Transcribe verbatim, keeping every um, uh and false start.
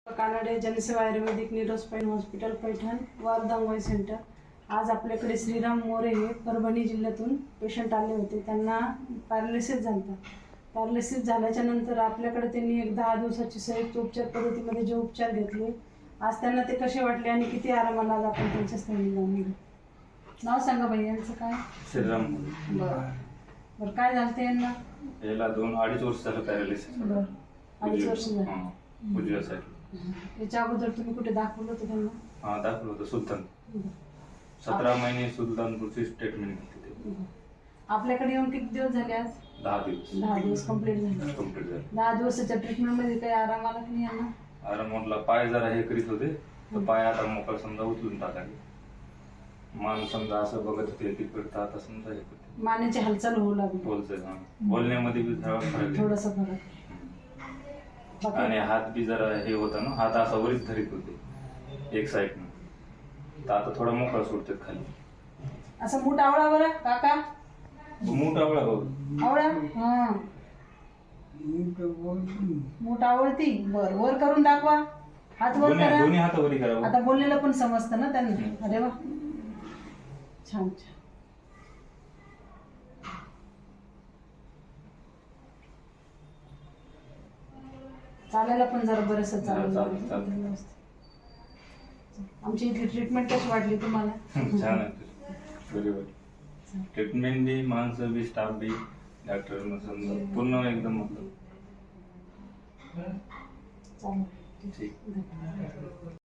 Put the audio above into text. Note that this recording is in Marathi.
Kanade Janseva Ayurvedic neuro spine hospital Paithan वारदांगोई सेंटर। आज आपल्याकडे श्रीराम मोरे हे परभणी जिल्ह्यातून पेशंट आले होते। त्यांना पॅरालिसिस झाला। पॅरालिसिस झाल्याच्या नंतर आपल्याकडे त्यांनी एक दहा दिवसाची संयुक्त उपचार पद्धतीमध्ये जे उपचार घेतले, आज त्यांना ते कसे वाटले आणि किती आरामाला आला आपण त्यांच्या स्थळी जाऊन घेऊ। नाव सांगा बाई यांचं काय? श्रीराम। बरं बरं काय झालं ते यांना? याला दोन अडीच वर्ष झालं पॅरालिसिस। बरं अडीच वर्ष झालं। उजव्यासाठी। याच्या अगोदर तुम्ही कुठे दाखवलं होतं त्यांना? हां दाखवलं होतं सुलतान। सतरा महिने सुलतानपूरची ट्रीटमेंट घेतली ते। आपल्याकडे येऊन किती दिवस झाले आज? दहा दिवस। दहा दिवस कंप्लीट झाले। कंप्लीट झाले। दहा दिवसाच्या ट्रीटमेंट मध्ये काही आराम आला की नाही यांना? आराम म्हटला, पाय जरा हे करीत होते तर पाय आता मोकळा समजा उचलून टाकायचे। मान समजा असं बघत होते की करता आता समजा हे करते। मानेची हालचाल होऊ लागली। बोलतोय हां। बोलण्यामध्ये बी थोडा फरक आहे। थोडासा फरक। आणि हात बी जरा हे होता ना, हात असा वरीच धरीत होते एक साईडनं, तर आता थोडा मोकळा सोडतात खाली। असं मूठ आवळा बरं काका। मूठ आवळा बघ। आवळा हां मूठ आवळती। बर वर करून दाखवा। हात वर दोन्ही करा। दोन्ही हात वरी करा। आता बोललेलं पण समजतं ना त्यांना। अरे वा छान छान। चालायला पण जरा बरंच चालेल। आमची इथली ट्रीटमेंट कशी वाटली तुम्हाला? छान आहे बरोबर। ट्रीटमेंट बी, माणसं बी, स्टाफ बी, डॉक्टर समजा पूर्ण एकदम मतलब चालेल। ठीक।